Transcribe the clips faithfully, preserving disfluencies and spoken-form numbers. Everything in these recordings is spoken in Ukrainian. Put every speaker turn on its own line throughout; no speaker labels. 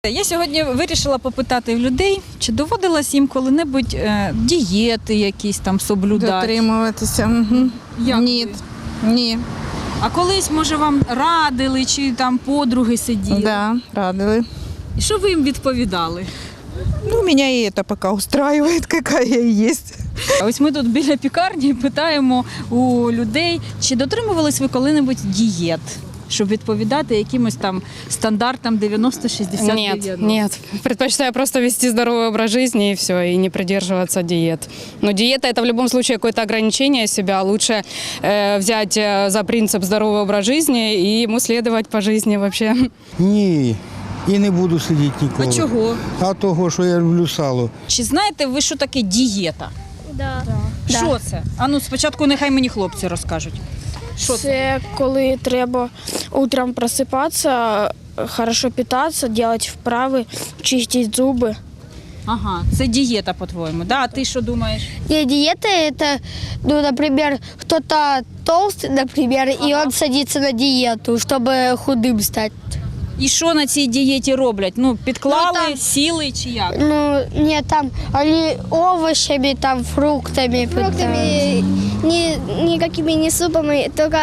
Я сьогодні вирішила попитати в людей, чи доводилось їм коли-небудь е, дієти якісь там соблюдати.
Дотримуватися. Угу.
Як
Ні.
ви?
Ні.
А колись, може, вам радили, чи там подруги сиділи?
Да, радили.
І що ви їм відповідали?
Ну, меня и это пока устраивает, какая я есть.
А ось ми тут біля пікарні питаємо у людей, чи дотримувались ви коли-небудь дієт, щоб відповідати якимось там стандартам дев'яносто шістдесят дев'яносто?
Нет, нет. Предпочитаю просто вести здоровый образ жизни и все, и не придерживаться диет. Но диета – это в любом случае какое-то ограничение себя. Лучше э, взять э, за принцип здоровый образ жизни и ему следовать по жизни вообще.
Ні, і не буду сидіти ніколи.
А чого?
А того, що я люблю сало.
Чи знаєте ви, що таке дієта?
Да.
Що це? А ну спочатку нехай мені хлопці розкажуть. Що це?
Це коли треба утром просипатися, хорошо питатися, робити вправи, чистити зуби.
Ага, це дієта, по-твоєму. Да? А ти що думаєш?
Не, диета это, ну, например, кто-то толстый, например, и он садится на диету, чтобы худым стать.
І що на цій дієті роблять? Ну, підклали,
Ну, там-
сіли чи як?
Ну, нет, там они овощами, там, фруктами.
Фруктами, ни, никакими не супами, только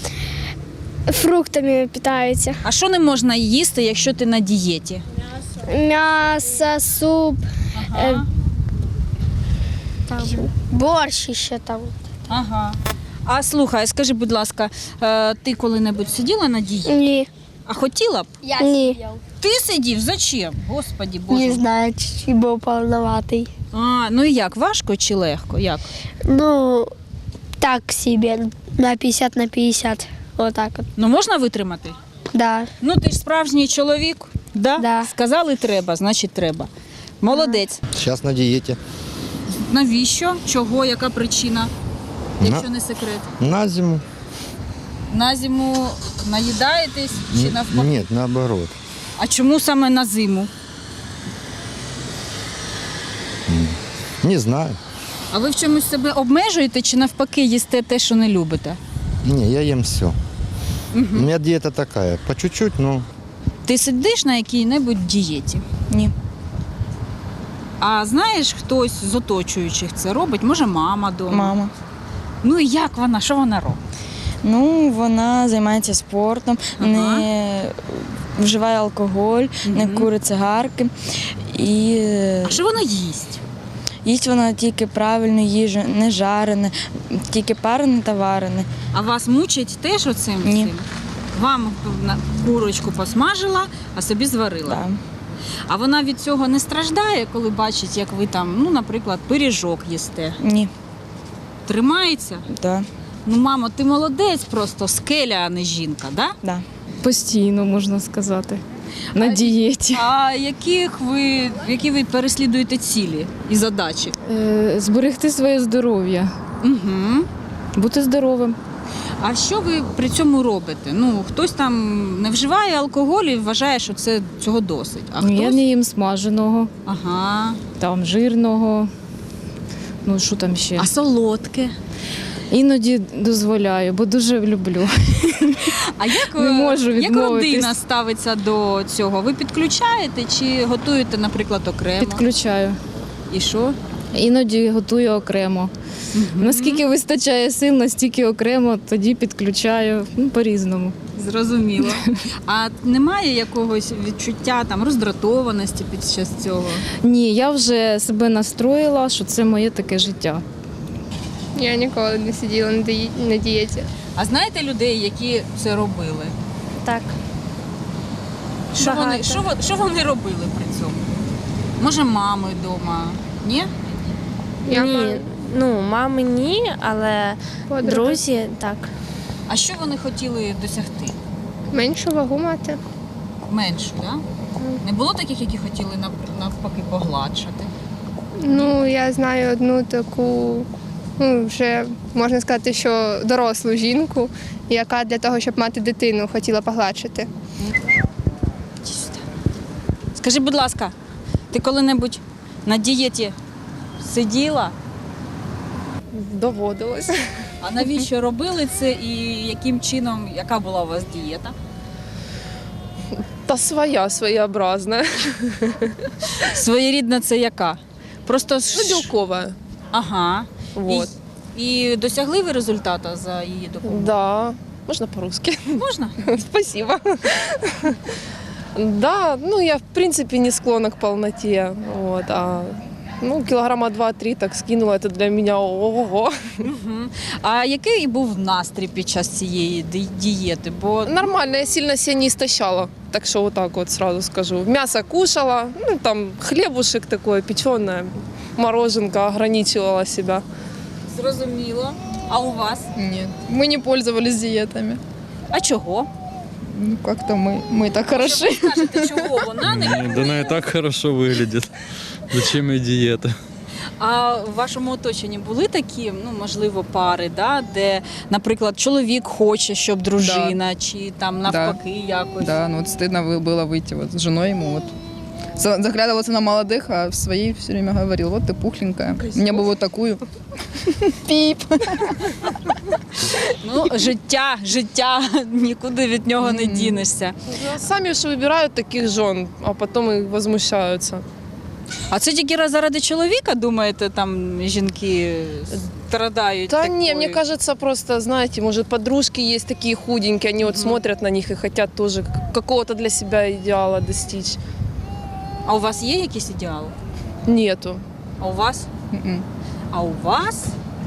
фруктами питаються.
А що не можна їсти, якщо ти на дієті?
М'ясо, суп.
Ага.
Там, борщ еще там.
Ага. А слухай, скажи, будь ласка, е, ти коли-небудь сиділа на дієті?
Ні.
А хотіла б?
Ні.
Ти сидів? Зачем? Господі Боже.
Не знаю, чуть-чуть был полноватый.
А, ну і як, важко чи легко? Як?
Ну, так себе, на пятьдесят на пятьдесят. Вот так вот.
Ну можна витримати?
Да.
Ну ти ж справжній чоловік, да?
Да.
Сказали треба, значить треба. Молодець.
Сейчас на диете.
Навіщо? Чого? Яка причина? Якщо
На-
не секрет.
На зиму?
На зиму наїдаєтесь чи
Н-
навпаки?
Нет, наоборот.
А чому саме на зиму?
Не знаю.
А ви в чомусь себе обмежуєте чи навпаки їсте те, що не любите?
Не, я ем все. У меня диета такая, по чуть-чуть, но
Ти сидиш на якій-небудь дієті?
Ні.
А знаєш, хтось з оточуючих це робить? Може, мама вдома?
Мама.
Ну і як вона? Що вона робить?
Ну, вона займається спортом,
Ага.
не вживає алкоголь, не
Мгм.
курить цигарки. І е,
А що вона їсть?
їсть вона тільки правильну їжу, не жарене, тільки парене та варене.
А вас мучить теж оцим?
Ні.
цим? Вам на- курочку посмажила, а собі зварила.
Да.
А вона від цього не страждає, коли бачить, як ви там, ну, наприклад, пиріжок їсте?
Ні.
Тримається?
Да.
Ну, мамо, ти молодець просто, скеля, а не жінка, да?
Да.
Постійно, можна сказати. На дієті.
А яких ви, які ви переслідуєте цілі і задачі?
Е, Зберегти своє здоров'я,
Угу.
бути здоровим.
А що ви при цьому робите? Ну, хтось там не вживає алкоголь і вважає, що це цього досить. А хтось...
Я не їм смаженого,
Ага.
там жирного. Ну, що там ще?
А солодке?
Іноді дозволяю, бо дуже люблю.
А як,
Не можу
як
відмовитись.
родина ставиться до цього? Ви підключаєте чи готуєте, наприклад, окремо?
Підключаю.
І що?
Іноді готую окремо. Наскільки вистачає сил, настільки окремо, тоді підключаю, ну, по-різному.
Зрозуміло. А немає якогось відчуття там роздратованості під час цього?
Ні, я вже себе настроїла, що це моє таке життя.
Я ніколи не сиділа на дії- на дієті.
А знаєте людей, які це робили?
Так.
Що вони,
Багато.
що, вони- що вони робили при цьому? Може, мами вдома? Ні?
Я
Ні,
маю
ну мами ні, але
подруги.
друзі так.
А що вони хотіли досягти?
Меншу вагу мати.
Меншу, так? Да? Не було таких, які хотіли нав- навпаки погладшати?
Ну, я знаю одну таку, ну, вже можна сказати, що дорослу жінку, яка для того, щоб мати дитину, хотіла погладшити.
Скажи, будь ласка, ти коли-небудь на дієті сиділа?
Доводилось.
А навіщо робили це і яким чином, яка була у вас дієта?
Та своя, своеобразная.
Своєрідна це яка? Просто
Ну,
ж...
белковая.
Ага.
Вот.
І, і досягли ви результату за її допомогою?
Да. Можно по-русски?
Можна?
Спасибо. Да, ну я в принципе не склонна к полноте. Вот, а ну, килограмма два-три так скинула, это для меня ого-го.
Мгм. А який був настрій під час цієї ді- дієти? Бо
Нормально, я сильно себя не истощала. Так что вот так вот сразу скажу. Мясо кушала, ну там хлебушек такой, печеное, мороженка, ограничивала себя.
зрозуміло. А у вас?
Нет, мы не пользовались диетами.
А чого?
Ну, как-то мы, мы так хороши.
Ви скажете, чого вона не
Не, да она и так хорошо выглядит. Зачем ей диета?
А в вашому оточенні були такі, ну можливо, пари, да, де, наприклад, чоловік хоче, щоб дружина, чи там навпаки якось.
Да, ну вот стыдно вы- было выйти вот с женой ему вот. За- Заглядывался на молодых, а в своей все время говорил, вот ты пухленькая, мне бы вот такую. Пип.
Ну, життя, життя, нікуди від нього не дінешся.
Ну, Сами же выбирают таких жен, а потом и возмущаются.
А це тільки заради чоловіка, думаєте, там жінки страдають?
Да
такою?
не, мне кажется, просто, знаете, может, подружки есть такие худенькие, они вот смотрят на них и хотят тоже к- какого-то для себя идеала достичь.
А у вас є якийсь ідеал?
Нету.
А у вас?
М-м.
А у вас?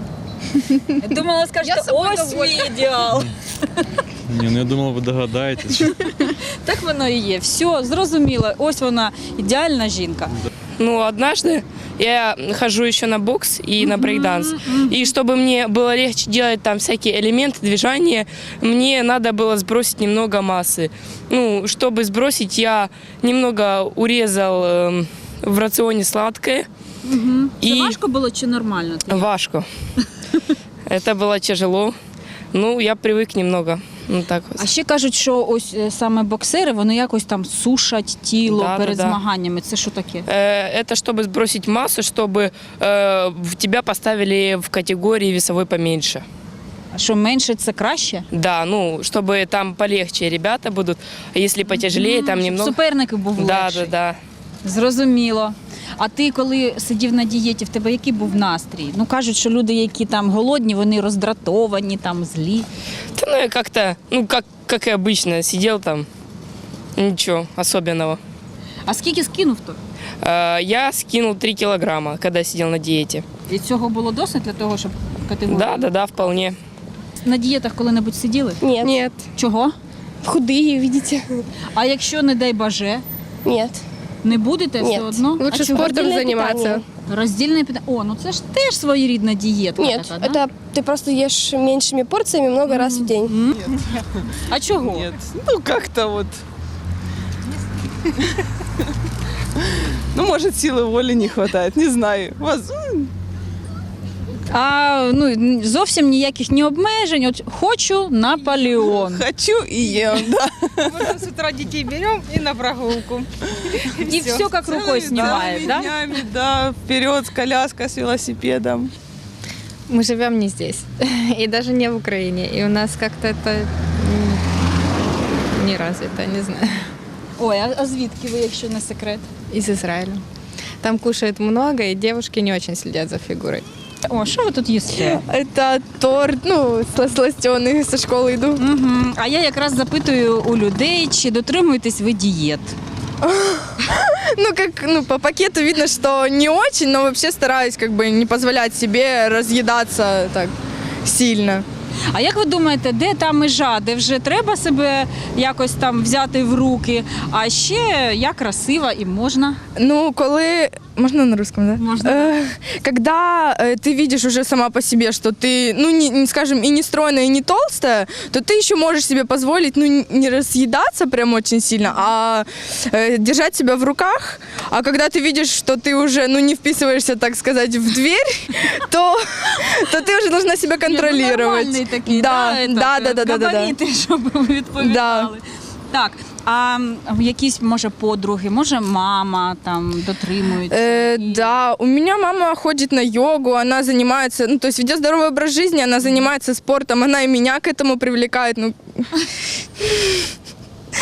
Я думала, скажете, ось мій ідеал.
Не, ну я думал, вы догадаетесь.
Так воно і є. Все, зрозуміло. Ось вона, ідеальна жінка.
Ну, однажды я хожу еще на бокс и на брейкданс. И чтобы мне было легче делать там всякие элементы движения, мне надо было сбросить немного массы. Ну, чтобы сбросить, я немного урезал эм, в рационе сладкое.
Це
И
важко було чи нормально?
важко. Это было тяжело. Ну, я привык немного. Ну, так
А
вот.
ще кажуть, що ось е, саме боксери, вони якось там сушать тіло
Да,
перед
да, да.
змаганнями. Це що таке?
Э, Это чтобы сбросить массу, чтобы э, в тебя поставили в категории весовой поменьше.
А що менше це краще?
Да, ну, чтобы там полегче ребята будут, а если потяжелее, там
Щоб
немного...
суперник був
Да,
легший.
да, да.
Зрозуміло. А ти, коли сидів на дієті, в тебе який був настрій? Ну кажуть, що люди, які там голодні, вони роздратовані, там злі.
Да, ну, я как-то, ну, как, как и обычно, сидел там, ничего особенного.
А скільки скинув то?
Э, Я скинул три килограмма, когда сидел на диете.
І цього було досить для того, щоб категорію?
Да, да, да, вполне.
На дієтах коли-небудь сиділи?
Нет.
Нет.
Чого?
Худые, видите?
А якщо, не дай боже,
Нет.
не будете
Ні.
все одно?
Лучше
а чого?
спортом
Роздільне
заниматься.
питання.
Роздільне питання. О, ну це ж теж своєрідна дієтка.
Нет,
така, да?
это ты просто ешь меньшими порциями много раз в день.
А чого?
Нет, ну как-то вот. Ну, может, силы воли не хватает, не знаю. Воз-
А ну зовсім ніяких ні обмежень. От хочу Наполеон.
Хочу и ем, да.
Мы с утра детей берем и на прогулку.
І все як рукою знімає,
Целыми
да?
днями, да, вперед, коляска с велосипедом.
Мы живем не здесь и даже не в Украине. И у нас как-то это м, не развито, не знаю.
Ой, а, а звідки ви, якщо не секрет?
Из Израиля. Там кушают много, и девушки не очень следят за фигурой.
О, що ви тут їсте?
Это торт, ну, сластеный, со школы иду.
Угу. А я якраз запитую у людей, чи дотримуєтесь ви дієт?
Ну, как, ну, по пакету видно, что не очень, но вообще стараюсь как бы не позволять себе разъедаться так сильно.
А як ви думаєте, де та межа, де вже треба себе якось там взяти в руки, а ще я красива і можна?
Ну, коли... Можно на русском, да?
Можно.
Э, когда э, ты видишь уже сама по себе, что ты, ну, не, не, скажем, и не стройная, и не толстая, то ты еще можешь себе позволить, ну, н- не разъедаться прям очень сильно, а э, держать себя в руках. А когда ты видишь, что ты уже, ну, не вписываешься, так сказать, в дверь, то, то ты уже должна себя контролировать.
Нормальний такий,
да,
да,
да,
этот,
да, да, да, да, да.
габарити, щоб ви відповідали. Так, а м, якісь, може, подруги, може, мама там дотримується?
Э, да, у меня мама ходит на йогу, она занимается, ну, то есть ведет здоровый образ жизни, она занимается спортом, она и меня к этому привлекает. Ну,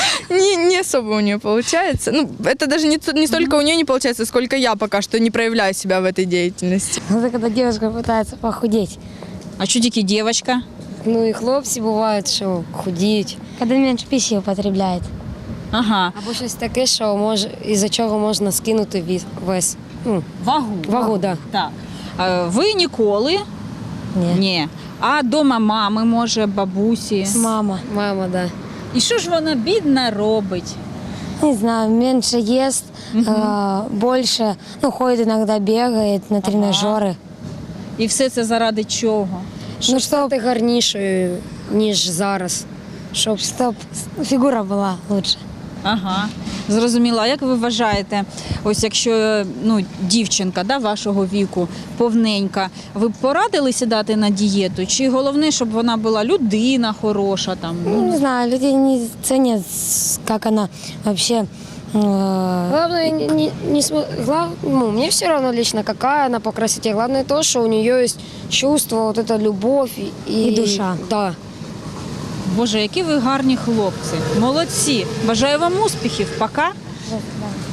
не, не особо у нее получается. Ну, это даже не, не столько у нее не получается, сколько я пока что не проявляю себя в этой деятельности.
Это когда девушка пытается похудеть.
А що тільки дівчинка?
Ну и хлопці бувають, що худіють. Коли менше пищі употребляють.
Ага.
Або щось таке, що може, із-за чого можна скинути вес. вес. Ну,
Вагу.
Вагу, да.
Так. Е, Ви ніколи?
Ні.
Ні. А дома мами, може, бабусі?
Мама. Мама, да.
І що ж вона бідна робить?
Не знаю, меньше ест, э, больше, ну, ходит иногда, бегает на тренажеры.
І все це заради чого?
Щоб стати гарнішою, ніж зараз. Щоб, щоб фігура була лучше.
Ага, зрозуміла. А як ви вважаєте, ось якщо ну, дівчинка да, вашого віку, повненька, ви б порадили сідати на дієту? Чи головне, щоб вона була людина хороша? Там,
Ну, не знаю, люди не ценят, как она вообще... э,
Главное, не, не, не смо- глав- ну, мне все равно лично, какая она по красоте. Главное то, что у нее есть чувство, вот эта любовь и,
И душа.
Да.
Боже, які ви гарні хлопці. Молодці. Бажаю вам успіхів. Пока.
да.